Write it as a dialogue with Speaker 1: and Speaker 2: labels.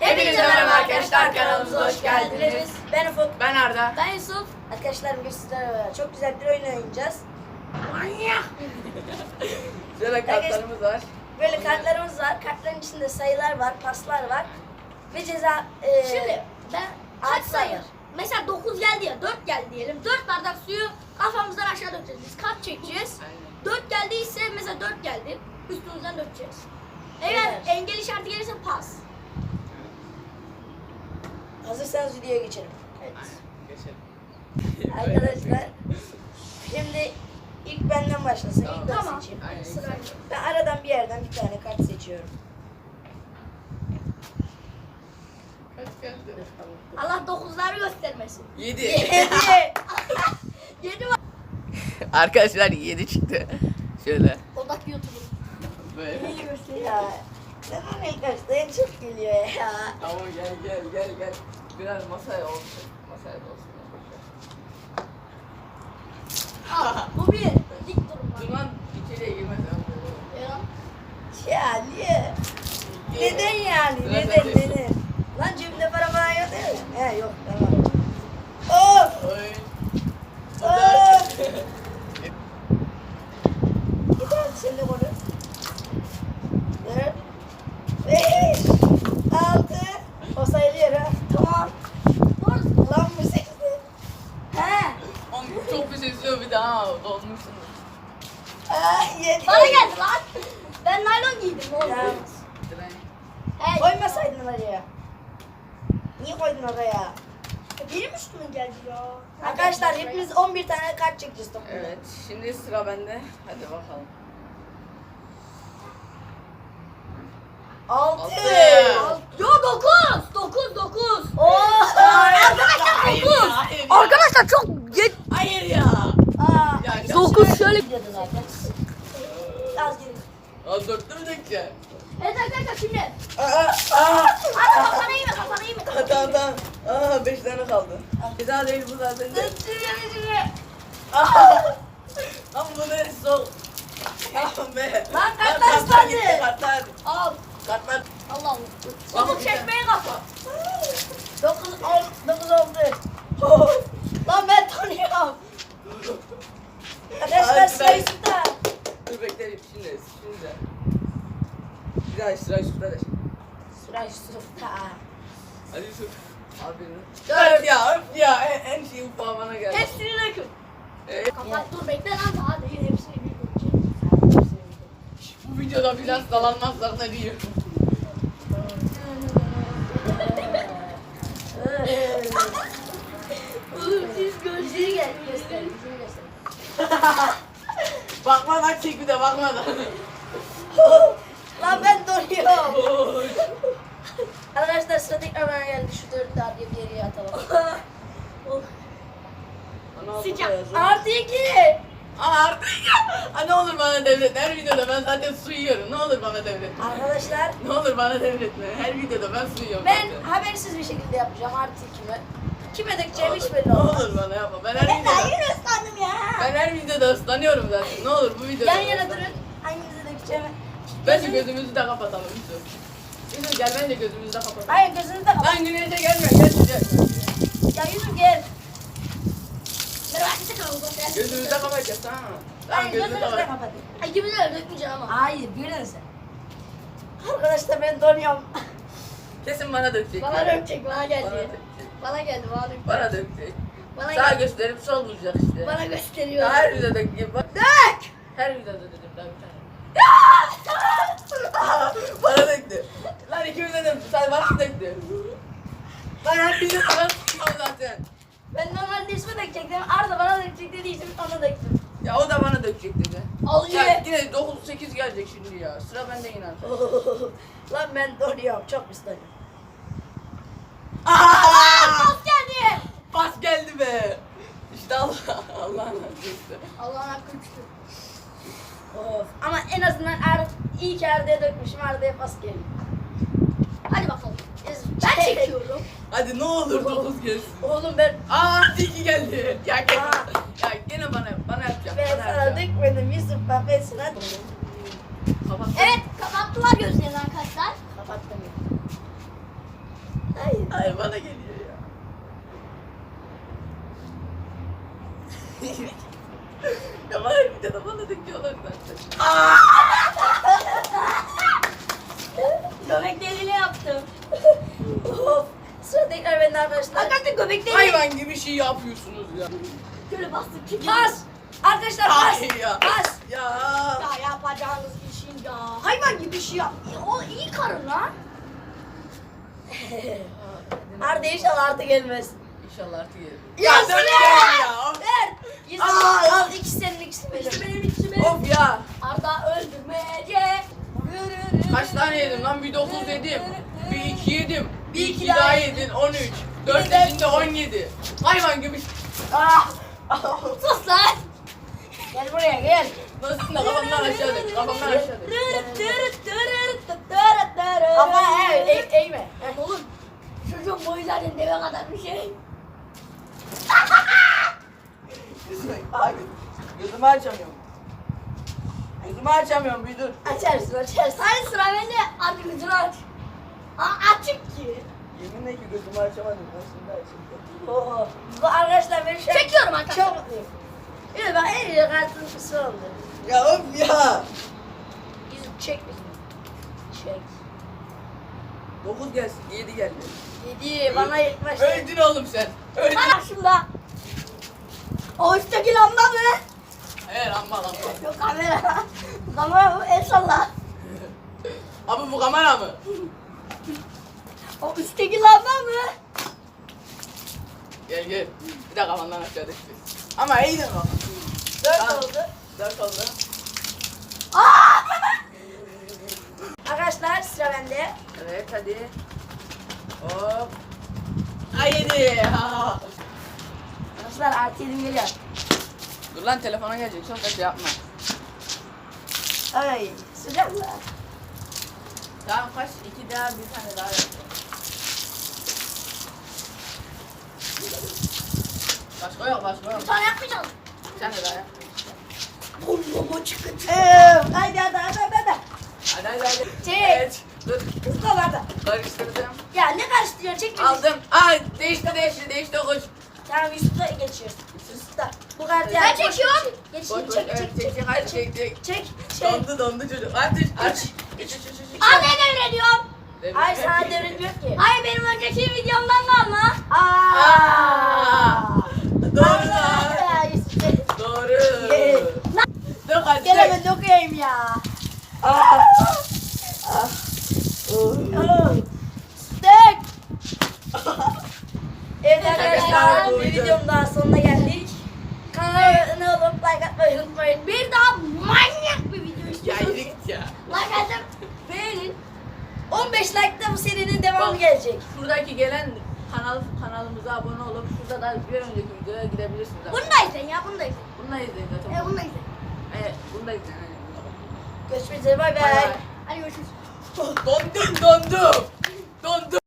Speaker 1: Hepinize merhaba arkadaşlar, kanalımıza hoş geldiniz.
Speaker 2: Ben Ufuk.
Speaker 1: Ben Arda.
Speaker 3: Ben Yusuf.
Speaker 2: Arkadaşlar bugün sizlerle çok güzel bir oyun oynayacağız.
Speaker 1: Manyak. Şöyle kartlarımız var.
Speaker 2: Böyle kartlarımız var. Kartların içinde sayılar var, paslar var. Ve ceza...
Speaker 3: Şimdi ben kaç
Speaker 2: altı
Speaker 3: sayı?
Speaker 2: var.
Speaker 3: Mesela 9 geldi ya, 4 geldi diyelim. 4 bardak suyu kafamızdan aşağı dökeceğiz. Biz kart çekeceğiz.
Speaker 1: Aynen.
Speaker 3: 4 geldiyse mesela 4 geldi. Üstümüzden dökeceğiz. Eğer
Speaker 2: Evet.
Speaker 3: engel işareti gelirse pas.
Speaker 2: Hazırsanız videoya geçelim.
Speaker 3: Evet.
Speaker 1: Geçelim.
Speaker 2: Arkadaşlar şimdi ilk benden başlasın. İlk ben
Speaker 3: Tamam.
Speaker 2: seçeyim.
Speaker 1: Aynen.
Speaker 3: Sırayla.
Speaker 2: Ben aradan bir yerden bir tane kart seçiyorum.
Speaker 1: Kaç geldi?
Speaker 3: Allah 9'ları göstermesin.
Speaker 1: 7.
Speaker 3: 7 var.
Speaker 1: Arkadaşlar 7 çıktı. Şöyle.
Speaker 3: Odak YouTube'un.
Speaker 1: Böyle.
Speaker 2: İyi göster ya. Sen ilk başta en çok geliyor ya.
Speaker 1: Ama gel. Biraz masaya olsun. Masaya da olsun.
Speaker 3: Al, bu bir. Dik durun var.
Speaker 1: Duman içeriye girmez.
Speaker 3: Ya.
Speaker 2: Ya niye? Neden yani?
Speaker 1: Sıra
Speaker 2: Neden?
Speaker 1: sende.
Speaker 2: Neden? Lan cebimde para falan yok değil mi? He yok tamam. Of!
Speaker 1: Oy.
Speaker 2: Of! Yeter sen de konuş. 4 5 6 o sayılıyor ha. Tamam.
Speaker 3: Doğru.
Speaker 2: Lan bu 8. He.
Speaker 1: Oğlum çok bir şey istiyor bir daha dolmuşsun.
Speaker 2: Aa 7.
Speaker 3: Bana geldi lan. Ben naylon giydim oğlum.
Speaker 2: Ya.
Speaker 3: Hey.
Speaker 2: Koymasaydın oraya. Niye koydun oraya?
Speaker 3: Benim üstüme geldi ya.
Speaker 2: Arkadaşlar hepimiz 11 tane kart çekeceğiz toplamda.
Speaker 1: Evet, şimdi sıra bende. Hadi bakalım.
Speaker 2: 6.
Speaker 1: Altı.
Speaker 3: Yo 9.
Speaker 2: Oo!
Speaker 1: Hayır ya, hayır ya.
Speaker 3: Arkadaşlar çok geç.
Speaker 1: Hayır ya.
Speaker 2: Aa,
Speaker 1: Ya,
Speaker 3: Dokuz şöyle.
Speaker 2: gidiyordu zaten. Az gidin.
Speaker 1: Aa, dörtlü mü dökeceksin?
Speaker 3: Evet arkadaşlar şimdi.
Speaker 1: Aa.
Speaker 3: Kafana iyi mi kafana iyi mi?
Speaker 1: Tamam. Aa, 5 tane kaldı. Güzel değil bu zaten. Lan bu ne soğuk. Tamam be.
Speaker 2: Lan kartlar ıslandı.
Speaker 1: gitti, kartlar.
Speaker 3: Al.
Speaker 1: Kartlar.
Speaker 3: Allah Allah.
Speaker 1: Bak,
Speaker 3: Çabuk
Speaker 1: bir
Speaker 3: çekmeye kafa.
Speaker 2: 9 oldu. Lan ben tanıyorum. Arkadaşlar
Speaker 1: Ay,
Speaker 2: sırayı
Speaker 1: ben-
Speaker 2: süper.
Speaker 1: Dur bekleyin şimdi. Bir daha sıra üstüne de.
Speaker 2: Sırayı süper.
Speaker 1: Hadi Yusuf. Aferin. Öf ya. En şey ufağı bana geldi.
Speaker 3: Hepsini dökün. Kapat dur bekle lan daha değil hepsini bir dökeceğim.
Speaker 1: Bu videoda biraz dalanmazlar da diyor.
Speaker 3: Oğlum siz gözleri gel.
Speaker 2: Göster, yüzünü göster.
Speaker 1: Bakmadan çek bir de bakmadan.
Speaker 2: Lan ben donuyorum. Arkadaşlar sıra tekrar bana geldi. Şu 4'ü daha bir geriye atalım.
Speaker 3: Sıcak.
Speaker 2: Artı 2.
Speaker 1: Artık ya. Ne olur bana devret. Her videoda ben zaten su yiyorum. Ne olur bana devretme.
Speaker 2: Arkadaşlar
Speaker 1: Ne olur bana devretme. Her videoda ben su yiyorum.
Speaker 2: ben
Speaker 1: zaten.
Speaker 2: habersiz bir şekilde yapacağım artı 2'mi. Kime dökeceğim hiç belli
Speaker 1: Ne
Speaker 2: olmaz.
Speaker 1: olur bana yapma. Ben her
Speaker 2: Ben daha
Speaker 1: videoda,
Speaker 2: yeni ıslandım ya.
Speaker 1: ben her videoda ıslanıyorum zaten. Ne olur bu videoda.
Speaker 2: Yan yana durun. Hanginize dökeceğim?
Speaker 1: Bence gözümüzü de kapatalım Yusuf. Yusuf gel bence gözümüzü de kapatalım.
Speaker 2: Hayır gözünüzü de kapat.
Speaker 1: Lan güneşe gelme gel.
Speaker 2: Ya Yusuf gel.
Speaker 3: Merhaba arkadaşlar kanalımıza hoş
Speaker 1: Gözümüzü de
Speaker 3: geldiniz.
Speaker 1: kapatacağız tamam mı? Tamam
Speaker 2: Hayır
Speaker 1: gözünü
Speaker 2: gözünüzü de
Speaker 1: kapat.
Speaker 2: kapatın.
Speaker 3: Ay ikimiz de dökmeyeceğim ama.
Speaker 2: Hayır gülün sen. Arkadaşlar ben donuyorum.
Speaker 1: Kesin bana dökecek.
Speaker 3: Bana dökecek bana
Speaker 1: Bana
Speaker 3: geldi.
Speaker 1: dökecek.
Speaker 3: Bana geldi bana dökecek.
Speaker 1: Bana dökecek.
Speaker 3: Bana
Speaker 1: Sağ
Speaker 3: geldi.
Speaker 1: gösterip sol bulacak işte.
Speaker 3: Bana gösteriyor.
Speaker 1: Her videoda dökecek. Bak.
Speaker 3: Dök.
Speaker 1: Her videoda dedim daha bir tane. Bana döktü. Lan ikimize de sen bana döktü. Lan her videoda ben sıkmam zaten.
Speaker 2: Ben normalde ismi dökecektim. Arda bana dökecek dediği için ona döktüm.
Speaker 1: Ya o da bana dökecek dedi.
Speaker 3: Al
Speaker 1: Ya
Speaker 3: ye.
Speaker 1: yine 9-8 gelecek şimdi ya. Sıra bende yine.
Speaker 2: Lan ben donuyorum. Çok ıslanıyorum.
Speaker 3: Pas geldi.
Speaker 1: Pas geldi be. İşte Allah'ın hakkı.
Speaker 3: Allah'ın hakkı üçtü.
Speaker 2: Of. Ama en azından iyi ki Arda'ya dökmüşüm. Arda'ya pas geliyor.
Speaker 3: Hadi bakalım. Ben çekiyorum.
Speaker 1: Hadi ne olur 9 gelsin.
Speaker 2: Oğlum ben
Speaker 1: Aa 2 geldi. Ya gene,
Speaker 2: Aa.
Speaker 1: ya gene bana yapacak.
Speaker 2: ben
Speaker 1: Bana
Speaker 2: sana
Speaker 1: yapacak.
Speaker 2: dökmedim Yusuf. Bak ben sana
Speaker 1: Kapat.
Speaker 3: Evet kapattılar gözlerini arkadaşlar.
Speaker 2: kapattım. Hayır.
Speaker 1: Hayır bana geliyor ya. Ya var bir de bana döküyorlar zaten.
Speaker 3: Göbek deliğini yaptım.
Speaker 2: Of. Sıra tekrar bende arkadaşlar.
Speaker 3: Arkadaşlar göbek deliği.
Speaker 1: Hayvan gibi şey yapıyorsunuz ya.
Speaker 3: Şöyle bastık ki.
Speaker 2: Pas. Arkadaşlar pas.
Speaker 1: Hayır ya.
Speaker 2: Pas.
Speaker 1: Ya.
Speaker 3: Ya yapacağınız işin ya. Hayvan gibi bir şey yap. O iyi karın lan.
Speaker 2: Arda inşallah Arda gelmez.
Speaker 1: İnşallah artık gelir.
Speaker 2: Ya
Speaker 1: dört
Speaker 2: Sıla!
Speaker 1: gel ya.
Speaker 2: Ver. Yüzüm
Speaker 1: Aa!
Speaker 2: al. İkisi senin ikisi benim.
Speaker 3: İkisi benim ikisi benim.
Speaker 1: Of ya.
Speaker 3: Arda öldürmeyecek.
Speaker 1: Kaç tane yedim lan? Bir 9 yedim. Bir 2 yedim. Bir
Speaker 2: Bir
Speaker 1: 2
Speaker 2: iki
Speaker 1: daha
Speaker 2: daha
Speaker 1: yedin. 13. 4
Speaker 2: Bir de-
Speaker 1: içinde 17. Hayvan gibi.
Speaker 2: Ah.
Speaker 3: Sus lan.
Speaker 2: Gel buraya gel.
Speaker 1: Nasıl da kafamdan aşağı dök. Kafamdan aşağı dök.
Speaker 2: Kafa eğme.
Speaker 3: Oğlum çocuğun boyu zaten deve kadar bir şey.
Speaker 1: Abi, gözümü açamıyorum. Gözümü açamıyorum bir dur.
Speaker 2: Açarsın açarsın.
Speaker 3: Hadi sıra bende. Hadi gözünü aç. Açık ki.
Speaker 1: Yeminle ki gözümü açamadım. Nasıl da açayım?
Speaker 2: Oo. Bu arkadaşlar ben şu an
Speaker 3: Çekiyorum arkadaşlar.
Speaker 2: çok mutluyum. Evet bak en iyi kartın kısa oldu.
Speaker 1: Ya of ya.
Speaker 2: Yüzüm çek bizim. Çek.
Speaker 1: 9 gelsin. 7 geldi.
Speaker 2: 7 bana ilk başta.
Speaker 1: Öldün oğlum sen. Öldün.
Speaker 3: Karşımda. O üstteki lamba mı?
Speaker 1: Hayır amma lan.
Speaker 3: Yok kamera. Kamera bu el salla.
Speaker 1: Abi bu kamera mı?
Speaker 3: O üstteki lamba mı?
Speaker 1: Gel gel. Bir de kafandan aşağı düştü. Ama iyiydin bak.
Speaker 2: 4 oldu.
Speaker 1: 4 oldu.
Speaker 2: Arkadaşlar sıra bende.
Speaker 1: Evet hadi. Hop. Ay 7.
Speaker 2: Arkadaşlar artı 7 geliyor.
Speaker 1: Dur lan telefona gelecek. Çok da şey yapma.
Speaker 2: Ay sıcak mı?
Speaker 1: Tamam kaç? 2 daha bir tane daha yap. Başka yok başka yok.
Speaker 3: Bir tane yapmayacağız.
Speaker 1: Bir tane daha yap.
Speaker 3: Burnumu çıkıntı.
Speaker 2: Haydi hadi.
Speaker 1: Hadi hadi hadi.
Speaker 2: Çek.
Speaker 1: Evet. Dur.
Speaker 2: Hızlı ol Arda.
Speaker 1: Karıştırdım.
Speaker 2: Ya ne karıştırıyorsun çek beni.
Speaker 1: Aldım. Değişti koş.
Speaker 2: Tamam Yusuf'ta geçiyor. Yusuf'ta. Bu kartı
Speaker 3: Ben çekiyorum.
Speaker 2: Geç
Speaker 1: Koş koş. Evet çek hadi çek.
Speaker 2: Çek.
Speaker 1: Dondu çocuk. Aç. Geç.
Speaker 3: Anne devrediyorum.
Speaker 2: Hayır sana devrediliyor ki.
Speaker 3: Hayır benim önceki videomdan kalma.
Speaker 1: Aa! Doğru lan.
Speaker 2: Ya Yusuf.
Speaker 1: Doğru.
Speaker 2: Gel.
Speaker 1: Dur hadi.
Speaker 2: Gel hemen dokuyayım ya. Stek. Evet arkadaşlar
Speaker 1: Arkadaşlar,
Speaker 2: bir videonun daha sonuna geldik. Kanala olup like atmayı unutmayın.
Speaker 3: Bir daha manyak bir video
Speaker 1: Ya
Speaker 3: istiyorsanız.
Speaker 1: yürü git ya.
Speaker 3: Like atıp beğenin.
Speaker 2: 15 like'da bu serinin devamı gelecek.
Speaker 1: Şuradaki gelen kanalımıza abone olup şurada da bir önceki videoya gidebilirsiniz.
Speaker 3: Bunu da izleyin ya bunu da izleyin.
Speaker 1: Bunu da izleyin zaten.
Speaker 3: Bunu da izleyin.
Speaker 1: Evet, bunu da izleyin.
Speaker 2: Görüşmek üzere bay
Speaker 1: Bay
Speaker 2: bay.
Speaker 1: bay.
Speaker 3: Hadi görüşürüz.
Speaker 1: Dondum.